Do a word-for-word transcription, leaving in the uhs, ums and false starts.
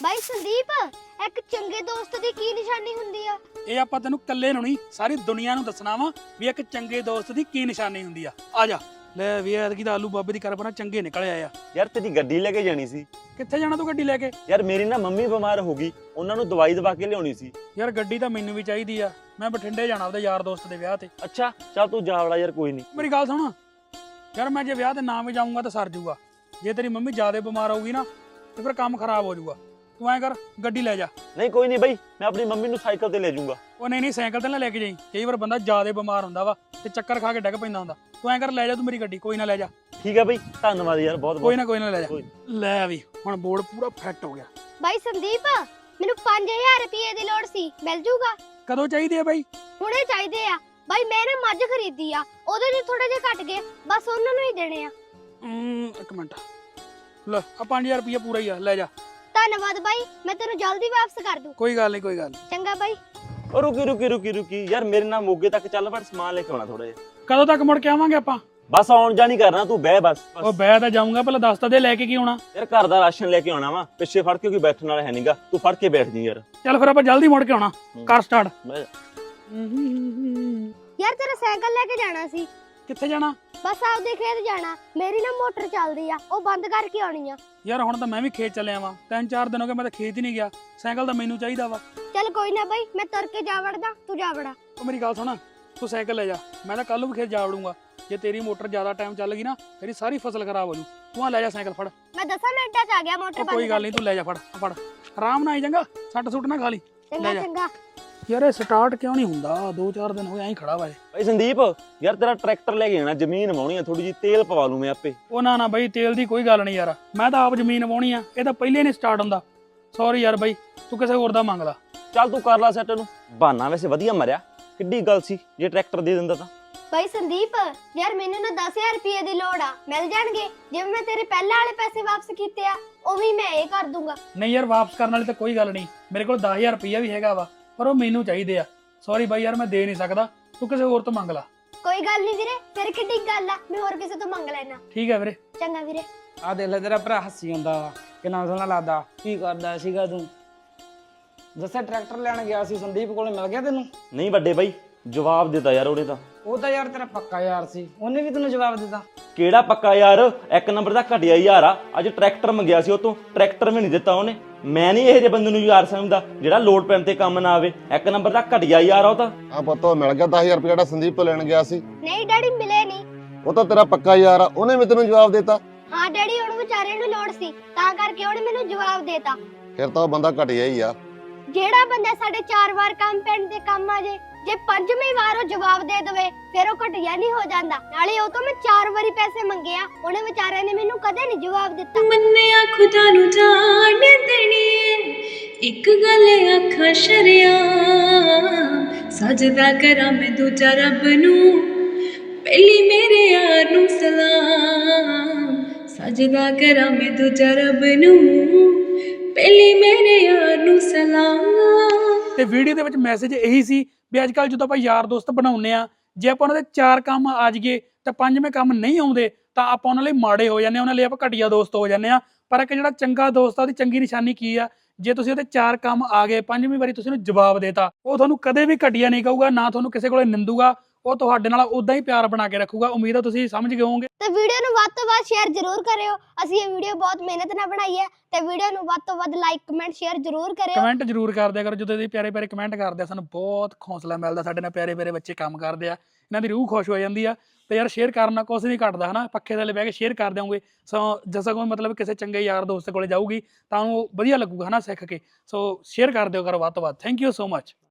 ਬਾਈ ਸੰਦੀਪ, ਇੱਕ ਚੰਗੇ ਦੋਸਤ ਦੀ ਕੀ ਨਿਸ਼ਾਨੀ ਹੁੰਦੀ ਆ? ਇਹ ਆਪਾਂ ਤੈਨੂੰ ਇਕੱਲੇ ਨੂੰ ਨਹੀਂ ਸਾਰੀ ਦੁਨੀਆ ਨੂੰ ਦੱਸਣਾ ਵਾ ਵੀ ਇੱਕ ਚੰਗੇ ਦੋਸਤ ਦੀ ਕੀ ਨਿਸ਼ਾਨੀ ਹੁੰਦੀ ਆ। ਆ ਜਾ ਲੈ ਵੀ ਐਤਕੀ ਤਾਂ ਆਲੂ ਬਾਬੇ ਦੀ ਕਰਪਨਾ ਚੰਗੇ ਨਿਕਲ ਆਏ ਆ। ਯਾਰ ਤੇਰੀ ਗੱਡੀ ਲੈ ਕੇ ਜਾਣੀ ਸੀ। ਕਿੱਥੇ ਜਾਣਾ ਤੂੰ ਗੱਡੀ ਲੈ ਕੇ? ਯਾਰ ਮੇਰੀ ਨਾ ਮੰਮੀ ਬਿਮਾਰ ਹੋ ਗਈ, ਉਹਨਾਂ ਨੂੰ ਦਵਾਈ ਦਵਾ ਕੇ ਲਿਆਉਣੀ ਸੀ। ਯਾਰ ਗੱਡੀ ਤਾਂ ਮੈਨੂੰ ਵੀ ਚਾਹੀਦੀ ਆ, ਮੈਂ ਬਠਿੰਡੇ ਜਾਣਾ ਉਹਦੇ ਯਾਰ ਦੋਸਤ ਦੇ ਵਿਆਹ ਤੇ। ਅੱਛਾ ਚੱਲ ਤੂੰ ਜਾ ਵੜਾ ਯਾਰ, ਕੋਈ ਨਹੀਂ। ਮੇਰੀ ਗੱਲ ਸੁਣ ਯਾਰ, ਮੈਂ ਜੇ ਵਿਆਹ ਤੇ ਨਾ ਵੀ ਜਾਊਂਗਾ ਤਾਂ ਸਰ ਜੂਗਾ। ਜੇ ਤੇਰੀ ਮੰਮੀ ਜ਼ਿਆਦਾ ਬਿਮਾਰ ਹੋਊਗੀ ਨਾ ਤੇ ਫਿਰ ਕੰਮ ਖਰਾਬ ਹੋ ਜਾਊਗਾ। ਤੂੰ ਐਂ ਕਰ ਗੱਡੀ ਲੈ ਜਾ। ਨਹੀਂ ਕੋਈ ਨਹੀਂ ਬਾਈ, ਮੈਂ ਆਪਣੀ ਮੰਮੀ ਨੂੰ ਸਾਈਕਲ ਤੇ ਲੈ ਜਾਊਂਗਾ। ਉਹ ਨਹੀਂ ਨਹੀਂ ਸਾਈਕਲ ਤੇ ਨਾ ਲੈ ਕੇ ਜਾਈਂ, ਕਈ ਵਾਰ ਬੰਦਾ ਜ਼ਿਆਦਾ ਬਿਮਾਰ ਹੁੰਦਾ ਵਾ ਤੇ ਚੱਕਰ ਖਾ ਕੇ ਡਿੱਗ ਪੈਂਦਾ ਹੁੰਦਾ। ਤੂੰ ਐਂ ਕਰ ਲੈ ਜਾ ਤੂੰ ਮੇਰੀ ਗੱਡੀ, ਕੋਈ ਨਾ ਲੈ ਜਾ। ਠੀਕ ਹੈ ਬਾਈ, ਧੰਨਵਾਦ ਯਾਰ ਬਹੁਤ ਬਹੁਤ। ਕੋਈ ਨਾ ਕੋਈ ਨਾ ਲੈ ਜਾ। ਲੈ ਵੀ ਹੁਣ ਬੋਰਡ ਪੂਰਾ ਫਿੱਟ ਹੋ ਗਿਆ। ਬਾਈ ਸੰਦੀਪ, ਮੈਨੂੰ ਪੰਜ ਹਜ਼ਾਰ ਰੁਪਏ ਦੀ ਲੋੜ ਸੀ, ਮਿਲ ਜੂਗਾ? ਕਦੋਂ ਚਾਹੀਦੇ ਆ ਬਾਈ? ਹੁਣੇ ਚਾਹੀਦੇ ਆ ਬਾਈ। ਮੈਂ ਨਾ ਮੱਝ ਖਰੀਦੀ ਆ, ਉਹਦੇ ਚ ਥੋੜੇ ਜਿਹਾ ਘਟ ਗਏ, ਬਸ ਉਹਨਾਂ ਨੂੰ ਹੀ ਦੇਣੇ ਆ। ਹਮ, ਇੱਕ ਮਿੰਟ ਲੈ ਆ ਪੰਜ ਹਜ਼ਾਰ ਰੁਪਇਆ ਪੂਰਾ ਹੀ ਆ, ਲੈ ਜਾ। ਧੰਨਵਾਦ ਬਾਈ, ਮੈਂ ਤੈਨੂੰ ਜਲਦੀ ਵਾਪਸ ਕਰ ਦੂੰ। ਕੋਈ ਗੱਲ ਨਹੀਂ ਕੋਈ ਗੱਲ ਨੀ। ਚੰਗਾ ਬਾਈ। ਉਹ ਰੁਕੀ ਰੁਕੀ ਰੁਕੀ ਰੁਕੀ ਯਾਰ, ਮੇਰੇ ਨਾਲ ਮੋਗੇ ਤੱਕ ਚੱਲ, ਪਰ ਸਮਾਨ ਲੈ ਕੇ ਆਉਣਾ ਥੋੜਾ ਜਿਹਾ। ਕਦੋਂ ਤੱਕ ਮੁੜ ਕੇ ਆਵਾਂਗੇ ਆਪਾਂ? ਬਸ ਆਉਣ ਜਾਣੀ ਕਰਨਾ, ਤੂੰ ਬਹਿ ਬਸ। ਉਹ ਬੈ ਤਾਂ ਜਾਊਂਗਾ, ਪਹਿਲਾਂ ਦੱਸ ਤਾਂ ਦੇ ਲੈ ਕੇ ਕੀ ਆਉਣਾ। ਯਾਰ ਘਰ ਦਾ ਰਾਸ਼ਨ ਲੈ ਕੇ ਆਉਣਾ ਵਾ, ਪਿੱਛੇ ਫੜ ਕੇ ਕੋਈ ਬੈਠਣ ਵਾਲਾ ਹੈ ਨਹੀਂਗਾ, ਤੂੰ ਫੜ ਕੇ ਬੈਠ ਜੀ ਯਾਰ। ਚੱਲ ਫਿਰ ਆਪਾਂ ਜਲਦੀ ਮੁੜ ਕੇ ਆਉਣਾ, ਕਰ ਸਟਾਰਟ। ਬਹਿ। ਯਾਰ ਤੇਰਾ ਸਾਈਕਲ ਲੈ ਕੇ ਜਾਣਾ ਸੀ। ਕਿੱਥੇ ਜਾਣਾ? ਬਸ ਆਪਦੇ ਖੇਤ ਜਾਣਾ, ਮੇਰੀ ਨਾ ਮੋਟਰ ਚੱਲਦੀ ਆ, ਉਹ ਬੰਦ ਕਰਕੇ ਆਉਣੀ ਆ। ਯਾਰ ਹੁਣ ਤਾਂ ਮੈਂ ਵੀ ਖੇਤ ਚੱਲਿਆ ਵਾਂ, ਤਿੰਨ ਚਾਰ ਦਿਨ ਹੋ ਗਏ ਮੈਂ ਤਾਂ ਖੇਤ ਹੀ ਨਹੀਂ ਗਿਆ। ਸਾਈਕਲ ਤਾਂ ਮੈਨੂੰ ਚਾਹੀਦਾ ਵਾ। ਚੱਲ ਕੋਈ ਨਾ ਬਾਈ, ਮੈਂ ਤੁਰ ਕੇ ਜਾ ਵੜਦਾ, ਤੂੰ ਜਾ ਵੜਾ। ਉਹ ਮੇਰੀ ਗੱਲ ਸੁਣ, ਤੂੰ ਸਾਈਕਲ ਲੈ ਜਾ, ਮੈਂ ਤਾਂ ਕੱਲ ਨੂੰ ਵੀ ਖੇਤ ਜਾ ਵੜੂੰਗਾ। ਜੇ ਤੇਰੀ ਮੋਟਰ ਜ਼ਿਆਦਾ ਟਾਈਮ ਚੱਲ ਗਈ ਨਾ, ਤੇਰੀ ਸਾਰੀ ਫਸਲ ਖਰਾਬ ਹੋ ਜੂ। ਤੂੰ ਆ ਲੈ ਜਾ ਸਾਈਕਲ, ਫੜ। ਮੈਂ ਦਸਾਂ ਮਿੰਟਾਂ ਚ ਆ ਗਿਆ ਮੋਟਰ ਉਹ ਬੰਦ। ਕੋਈ ਗੱਲ ਨਹੀਂ, ਤੂੰ ਲੈ ਜਾ, ਫੜ ਫੜ ਆਰਾਮ ਨਾਲ ਆਈ ਜਾਂਗਾ, ਸੱਟ ਸੁੱਟ ਨਾ ਖਾ ਲਈ। ਚੰਗਾ ਚੰਗਾ। ਯਾਰ ਇਹ ਸਟਾਰਟ ਕਿਉਂ ਨਹੀਂ ਹੁੰਦਾ? ਦੋ ਚਾਰ ਦਿਨ ਹੋ ਗਏ ਐਂ ਖੜਾ ਵਾ ਇਹ। ਬਾਈ ਸੰਦੀਪ, ਯਾਰ ਤੇਰਾ ਟਰੈਕਟਰ ਲੈ ਕੇ ਜਾਣਾ, ਜ਼ਮੀਨ ਵਾਉਣੀ ਆ, ਥੋੜੀ ਜਿਹੀ ਤੇਲ ਪਵਾ ਲੂ ਮੈਂ ਆਪੇ। ਉਹ ਨਾ ਨਾ ਬਾਈ, ਤੇਲ ਦੀ ਕੋਈ ਗੱਲ ਨਹੀਂ ਯਾਰ, ਮੈਂ ਤਾਂ ਆਪ ਜ਼ਮੀਨ ਵਾਉਣੀ ਆ, ਇਹ ਤਾਂ ਪਹਿਲੇ ਨਹੀਂ ਸਟਾਰਟ ਹੁੰਦਾ। ਸੌਰੀ ਯਾਰ ਬਾਈ, ਤੂੰ ਕਿਸੇ ਹੋਰ ਦਾ ਮੰਗ ਲਾ। ਚੱਲ ਤੂੰ ਕਰ ਲਾ ਸੈੱਟ ਨੂੰ। ਬਹਾਨਾ ਵੈਸੇ ਵਧੀਆ ਮਰਿਆ, ਕਿੱਡੀ ਗੱਲ ਸੀ ਜੇ ਟਰੈਕਟਰ ਦੇ ਦਿੰਦਾ ਤਾਂ। ਬਾਈ ਸੰਦੀਪ, ਯਾਰ ਮੈਨੂੰ ਨਾ ਦਸ ਹਜ਼ਾਰ ਰੁਪਏ ਦੀ ਲੋੜ ਆ, ਮਿਲ ਜਾਣਗੇ? ਜਿਵੇਂ ਮੈਂ ਤੇਰੇ ਪਹਿਲਾਂ ਵਾਲੇ ਪੈਸੇ ਵਾਪਸ ਕੀਤੇ ਆ, ਉਵੇਂ ਮੈਂ ਇਹ ਕਰ ਦੂੰਗਾ। ਨਹੀਂ ਯਾਰ, ਵਾਪਸ ਕਰਨ ਵਾਲੀ ਤਾਂ ਕੋਈ ਗੱਲ ਨਹੀਂ, ਮੇਰੇ ਕੋਲ ਦਸ ਹਜ਼ਾਰ ਰੁਪਈਆ ਵੀ ਹੈਗਾ ਵਾ, ਪਰ ਉਹ ਮੈਨੂੰ ਚਾਹੀਦੇ ਆ। ਸੌਰੀ ਬਾਈ ਯਾਰ, ਮੈਂ ਦੇ ਨਹੀਂ ਸਕਦਾ, ਤੂੰ ਕਿਸੇ ਹੋਰ ਤੋਂ ਮੰਗ ਲਾ। ਕੋਈ ਗੱਲ ਨਹੀਂ ਵੀਰੇ, ਫਿਰ ਕਿੱਡੀ ਗੱਲ ਆ, ਮੈਂ ਹੋਰ ਕਿਸੇ ਤੋਂ ਮੰਗ ਲੈਣਾ। ਠੀਕ ਹੈ ਵੀਰੇ। ਚੰਗਾ ਵੀਰੇ। ਆ ਦੇਖ ਲੈ, ਤੇਰਾ ਭਰਾ ਹੱਸੀ ਜਾਂਦਾ ਵਾ, ਕਿੰਨਾ ਸੋਹਣਾ ਲੱਗਦਾ। ਕੀ ਕਰਦਾ ਸੀਗਾ ਤੂੰ? ਦੱਸਿਆ ਟਰੈਕਟਰ ਲੈਣ ਗਿਆ ਸੀ, ਸੰਦੀਪ ਕੋਲੇ ਮਿਲ ਗਿਆ ਤੈਨੂੰ? ਨਹੀਂ ਵੱਡੇ ਬਾਈ, ਜਵਾਬ ਦਿੱਤਾ ਯਾਰ ਉਹਨੇ ਤਾਂ। ਉਹ ਤਾਂ ਯਾਰ ਤੇਰਾ ਪੱਕਾ ਯਾਰ ਸੀ, ਉਹਨੇ ਵੀ ਤੈਨੂੰ ਜਵਾਬ ਦਿੱਤਾ? ਕਿਹੜਾ ਪੱਕਾ ਯਾਰ, ਇੱਕ ਨੰਬਰ ਦਾ ਘਟਿਆ ਯਾਰ ਆ। ਅੱਜ ਟਰੈਕਟਰ ਮੰਗਿਆ ਸੀ ਉਹ ਤੋਂ, ਟਰੈਕਟਰ ਵੀ ਨਹੀਂ ਦਿੱਤਾ ਉਹਨੇ। ਮੈਂ ਨਹੀਂ ਇਹੋ ਜਿਹੇ ਬੰਦੇ ਨੂੰ ਯਾਰ ਸਮਝਦਾ ਜਿਹੜਾ ਲੋਡ ਪੈਣ ਤੇ ਕੰਮ ਨਾ ਆਵੇ। ਇੱਕ ਨੰਬਰ ਦਾ ਘਟਿਆ ਯਾਰ ਆ ਉਹ ਤਾਂ। ਆ ਪੁੱਤੋ ਮਿਲ ਗਿਆ ਦਸ ਹਜ਼ਾਰ ਰੁਪਏ ਜਿਹੜਾ ਸੰਦੀਪ ਤੋਂ ਲੈਣ ਗਿਆ ਸੀ। ਨਹੀਂ ਡੈਡੀ, ਮਿਲੇ ਨਹੀਂ। ਉਹ ਤਾਂ ਤੇਰਾ ਪੱਕਾ ਯਾਰ ਆ, ਉਹਨੇ ਵੀ ਤੈਨੂੰ ਜਵਾਬ ਦੇਤਾ। ਹਾਂ ਡੈਡੀ, ਉਹਨੂੰ ਵਿਚਾਰੇ ਨੂੰ ਲੋੜ ਸੀ, ਤਾਂ ਕਰਕੇ ਉਹਨੇ ਮੈਨੂੰ ਜਵਾਬ ਦੇਤਾ। ਫਿਰ ਤਾਂ ਉਹ ਬੰਦਾ ਘਟਿਆ ਹੀ ਆ। ਜਿਹੜਾ ਬੰਦਾ ਸਾਡੇ ਚਾਰ ਵਾਰ ਕੰਮ ਪੈਣ ਤੇ ਕੰਮ ਆ ਜੇ, ਜੇ ਪੰਜਵੀਂ ਵਾਰ ਉਹ ਜਵਾਬ ਦੇ ਦੇਵੇ, ਫਿਰ ਉਹ ਘਟਿਆ ਨਹੀਂ ਹੋ ਜਾਂਦਾ। ਨਾਲੇ ਉਹ ਤੋਂ ਮੈਂ ਚਾਰ ਵਾਰੀ ਪੈਸੇ ਮੰਗੇ ਆ, ਉਹਨੇ ਵਿਚਾਰੇ ਨੇ ਮੈਨੂੰ ਕਦੇ ਨਹੀਂ ਜਵਾਬ ਦਿੱਤਾ। ਮੰਨਿਆ ਖੁਦਾ ਨੂੰ ਜਾਣ ਦੇਣੀ, ਇੱਕ ਗੱਲ ਆਖਾਂ ਸ਼ਰਿਆ, ਸਜਦਾ ਕਰਾਂ ਮੈਂ ਦੂਜਾ ਰੱਬ ਨੂੰ, ਪਹਿਲੀ ਮੇਰੇ ਯਾਰ ਨੂੰ ਸਲਾਮ। ਸਜਦਾ ਕਰਾਂ ਮੈਂ ਦੂਜਾ ਰੱਬ ਨੂੰ, ਪਹਿਲੀ ਮੇਰੇ ਯਾਰ ਨੂੰ ਸਲਾਮ। ਤੇ ਵੀਡੀਓ ਦੇ ਵਿੱਚ ਮੈਸੇਜ ਇਹੀ ਸੀ ਵੀ ਅੱਜ ਕੱਲ ਜਦੋਂ ਆਪਾਂ ਯਾਰ ਦੋਸਤ ਬਣਾਉਂਦੇ ਆ, ਜੇ ਆਪਾਂ ਉਹਨਾਂ ਦੇ ਚਾਰ ਕੰਮ ਆ ਜਾਈਏ ਤਾਂ ਪੰਜਵੇਂ ਕੰਮ ਨਹੀਂ ਆਉਂਦੇ ਤਾਂ ਆਪਾਂ ਉਹਨਾਂ ਲਈ ਮਾੜੇ ਹੋ ਜਾਂਦੇ ਆ, ਉਹਨਾਂ ਲਈ ਆਪਾਂ ਘਟੀਆ ਦੋਸਤ ਹੋ ਜਾਂਦੇ ਆ। ਪਰ ਇੱਕ ਜਿਹੜਾ ਚੰਗਾ ਦੋਸਤ ਆ, ਉਹਦੀ ਚੰਗੀ ਨਿਸ਼ਾਨੀ ਕੀ ਆ? ਜੇ ਤੁਸੀਂ ਉਹਦੇ ਚਾਰ ਕੰਮ ਆ ਗਏ, ਪੰਜਵੀਂ ਵਾਰੀ ਤੁਸੀਂ ਉਹਨੂੰ ਜਵਾਬ ਦੇਤਾ, ਉਹ ਤੁਹਾਨੂੰ ਕਦੇ ਵੀ ਘਟੀਆ ਨਹੀਂ ਕਹੂਗਾ, ਨਾ ਤੁਹਾਨੂੰ ਕਿਸੇ ਕੋਲੇ ਨਿੰਦੂਗਾ। ਉਹ ਤੁਹਾਡੇ ਨਾਲ ਉਦਾਂ ਹੀ ਪਿਆਰ ਬਣਾ ਕੇ ਰੱਖੂਗਾ। ਉਮੀਦ ਆ ਤੁਸੀਂ ਸਮਝ ਗਏ ਹੋਵੋਗੇ। ਤੇ ਵੀਡੀਓ ਨੂੰ ਵੱਧ ਤੋਂ ਵੱਧ ਸ਼ੇਅਰ ਜ਼ਰੂਰ ਕਰਿਓ। ਅਸੀਂ ਇਹ ਵੀਡੀਓ ਬਹੁਤ ਮਿਹਨਤ ਨਾਲ ਬਣਾਈ ਹੈ, ਤੇ ਵੀਡੀਓ ਨੂੰ ਵੱਧ ਤੋਂ ਵੱਧ ਲਾਈਕ, ਕਮੈਂਟ, ਸ਼ੇਅਰ ਜ਼ਰੂਰ ਕਰਿਓ। ਕਮੈਂਟ ਜ਼ਰੂਰ ਕਰ ਦਿਆ ਕਰੋ, ਜਦੋਂ ਤੁਸੀਂ ਪਿਆਰੇ ਪਿਆਰੇ ਕਮੈਂਟ ਕਰਦੇ ਆ ਸਾਨੂੰ ਬਹੁਤ ਹੌਸਲਾ ਮਿਲਦਾ। ਸਾਡੇ ਨਾਲ ਪਿਆਰੇ ਪਿਆਰੇ ਬੱਚੇ ਕੰਮ ਕਰਦੇ ਆ, ਇਹਨਾਂ ਦੀ ਰੂਹ ਖੁਸ਼ ਹੋ ਜਾਂਦੀ ਆ। ਤੇ ਯਾਰ ਸ਼ੇਅਰ ਕਰਨਾ ਕੁਛ ਨਹੀਂ ਘਟਦਾ ਹਨਾ, ਪੱਖੇ ਥੱਲੇ ਬਹਿ ਕੇ ਸ਼ੇਅਰ ਕਰ ਦਿਓਗੇ। ਸੋ ਜਿਸਾ ਕੋਈ ਮਤਲਬ ਕਿਸੇ ਚੰਗੇ ਯਾਰ ਦੋਸਤ ਕੋਲੇ ਜਾਊਗੀ ਤਾਂ ਉਹਨੂੰ ਵਧੀਆ ਲੱਗੂਗਾ ਹਨਾ, ਸਿੱਖ ਕੇ। ਸੋ ਸ਼ੇਅਰ ਕਰ ਦਿਓ ਕਰੋ ਵੱਧ ਤੋਂ ਵੱਧ। Thank you so much.